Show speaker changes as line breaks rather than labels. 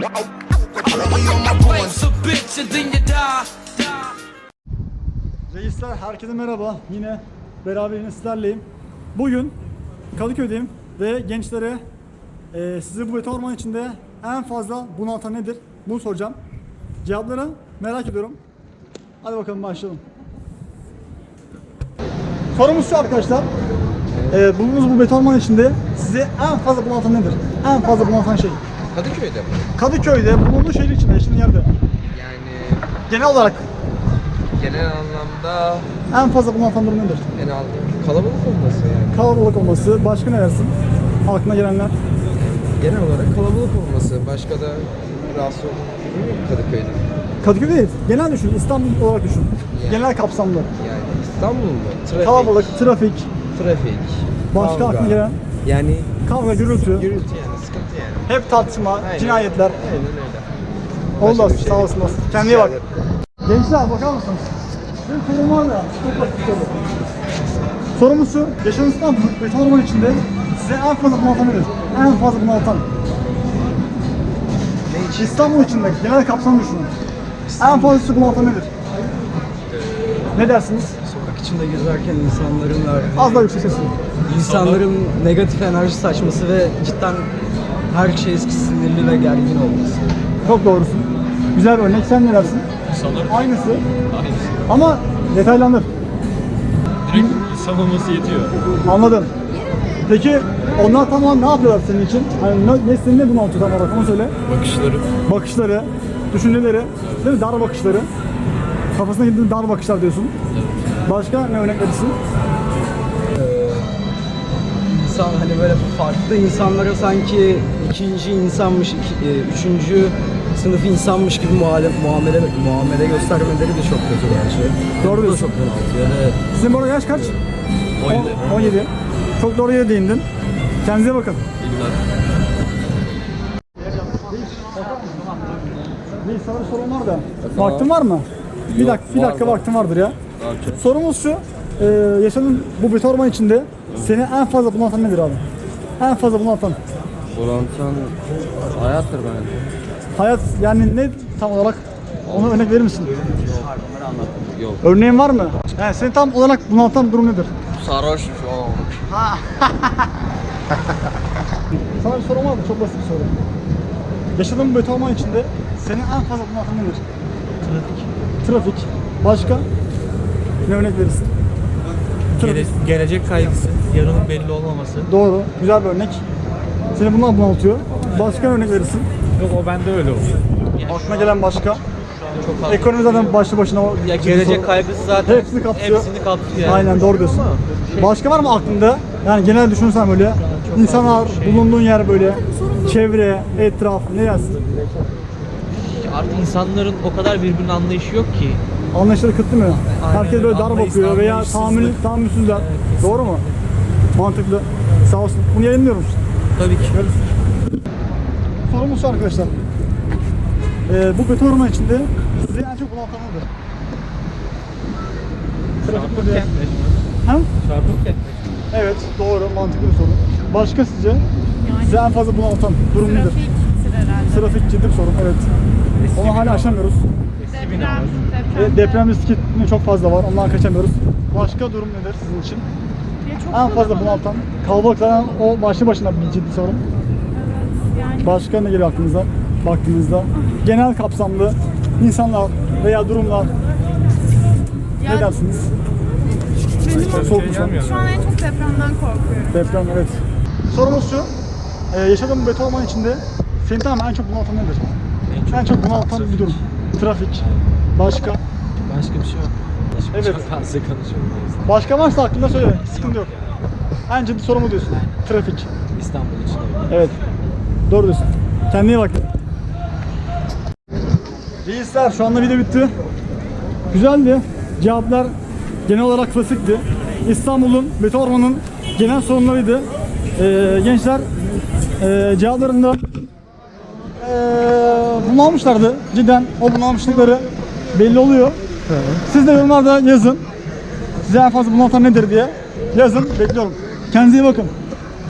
Reisler, herkese merhaba. Yine beraber sizlerleyim. Bugün Kadıköy'deyim ve gençlere sizi bu beton orman içinde en fazla bunaltan nedir? Bunu soracağım. Cevapları merak ediyorum. Hadi bakalım başlayalım. Sorumuz şu arkadaşlar. Bulunduğunuz bu beton orman içinde sizi en fazla bunaltan nedir? En fazla bunaltan şey.
Kadıköy'de mi?
Kadıköy'de, bulunduğu şehir içinde, yaşadığın yerde.
Yani
Genel olarak
genel anlamda
en fazla bunaltan durum nedir?
kalabalık olması yani.
Kalabalık olması, başka ne dersin? Aklına gelenler.
Genel olarak kalabalık olması. Başka da rahatsız olduğum Kadıköy'de.
Kadıköy değil, genel düşün, İstanbul olarak düşün.
Yani.
Genel kapsamlı.
Yani İstanbul mu? Trafik.
Kalabalık, trafik,
Trafik.
başka
kavga.
aklına gelen
Yani
kavga, gürültü,
gürültü yani, sıkıntı yani.
hep tartışma,
Aynen.
cinayetler.
Aynen öyle.
Oldu,
Başka bir şey
sağ
değil.
olasın. Kendine iyi bak.
Rica
Gençler bakar mısınız? Bir sorum var da, çok basit bir soru. Sorumuz şu, yaşadığınız İstanbul, beton orman içinde size en fazla bunaltan nedir? En fazla bunaltan. İstanbul içinde, genel kapsamı düşünün. En fazla sizi bunaltan nedir? Ne dersiniz?
Sokak içinde gezerken insanların verdiği,
Az daha yüksek sesle.
insanların negatif enerji saçması ve cidden her şey eski sinirli ve gergin olması.
Çok doğrusun. Güzel bir örnek. Sen ne dersin?
İnsanlar
Aynısı.
aynısı.
Ama detaylandır.
Direkt insan olması yetiyor.
Anladım. Peki onlar tamam ne yapıyorlar senin için? Hani ne seni ne bunaltıyor tam olarak onu söyle.
Bakışları.
Bakışları, düşünceleri, değil mi? Dar bakışları. Kafasına girdiğin dar bakışlar diyorsun. Başka ne örnek verirsin?
İnsan hani böyle farklı insanlara sanki ikinci insanmış, üçüncü sınıf insanmış gibi muamele göstermeleri de çok kötü bence.
Doğru
Bu da
diyorsun.
çok bunaltıyor ve
Sizin bu arada yaş kaç?
17.
17. Çok doğru yere değindin. Kendinize bakın. Bir sana bir sorum var da. Vaktin var mı? Bir dakika vaktin vardır ya. Sorumuz şu. Yaşadığın bu beton orman içinde seni en fazla bunaltan nedir abi? En fazla bunaltan.
Bulantan hayattır bence.
Hayat yani ne tam olarak? Ona örnek verir misin?
Yok.
Örneğin var mı? Yani seni tam olarak bunaltan durum nedir?
Sarhoş şu an.
Sana bir sorum var da çok basit bir soru. Yaşadığın bu beton orman içinde seni en fazla bunaltan nedir? Trafik. Başka? Ne örnek verirsin? Trafik.
Gelecek kaygısı, yarının belli olmaması.
Doğru. Güzel bir örnek. Seni bundan bunaltıyor. Başka örnek verirsin.
Yok, o bende öyle oluyor.
Aklına gelen başka. Ekonomi zaten başlı başına o
Ya
ciddi
gelecek
soru.
kaygısı zaten
Hepsini kapsıyor.
Hepsini kapsıyor. Yani.
Aynen doğru diyorsun. Başka var mı aklında? Yani genel düşünürsen böyle insanlar, bulunduğun yer böyle, çevre, etraf, ne dersin?
Artık insanların o kadar birbirine anlayışı yok ki.
Anlayışları kıtlı mı? Herkes böyle dar
Anlayış,
bakıyor veya
anlayışsızlık.
tahammülsüzler. Doğru mu? Mantıklı. Sağ olsun. Bunu yayınlıyorum.
Tabii ki.
Sorumuz şu arkadaşlar. Bu beton orman içinde sizi en çok bunaltan nedir? Trafik mi? Ha?
Çarpık kent.
Evet, doğru. Mantıklı bir soru. Başka sizce? Sizi en fazla bunaltan durum nedir?
Trafiktir herhalde.
Trafik ciddi bir sorun, evet. Onu hala aşamıyoruz. Deprem riski çok fazla var, ondan kaçamıyoruz. Başka durum nedir sizin için?
Ya çok
En fazla
kalabalık.
bunaltan, kalabalık zaten o başlı başına bir ciddi sorun.
Yani
Başka ne geliyor aklınıza baktığınızda? Genel kapsamlı insanlar veya durumlar ne
Ya-
dersiniz?
benim
Soğuk mu şu an?
şu an en çok depremden korkuyorum.
Deprem, evet. Sorumuz şu, yaşadığım beton orman içinde seni tamamen en çok bunaltan nedir? En çok bunaltan bir durum. Trafik. Başka?
Başka bir şey yok.
Evet.
Çok fazla konuşuyorum.
Başka varsa aklında söyle, sıkıntı yok. En ciddi soru mu diyorsun? Trafik.
İstanbul için öyle.
Evet. Doğru diyorsun. Kendine iyi bak. Reisler, şu anda video bitti. Güzeldi. Cevaplar genel olarak klasikti. İstanbul'un, beton ormanın genel sorunlarıydı. Gençler cevaplarında bunalmışlardı. Cidden o bunalmışlıkları belli oluyor. Siz de yorumlarda yazın. Size en fazla bunaltan nedir diye yazın. Bekliyorum. Kendinize iyi bakın.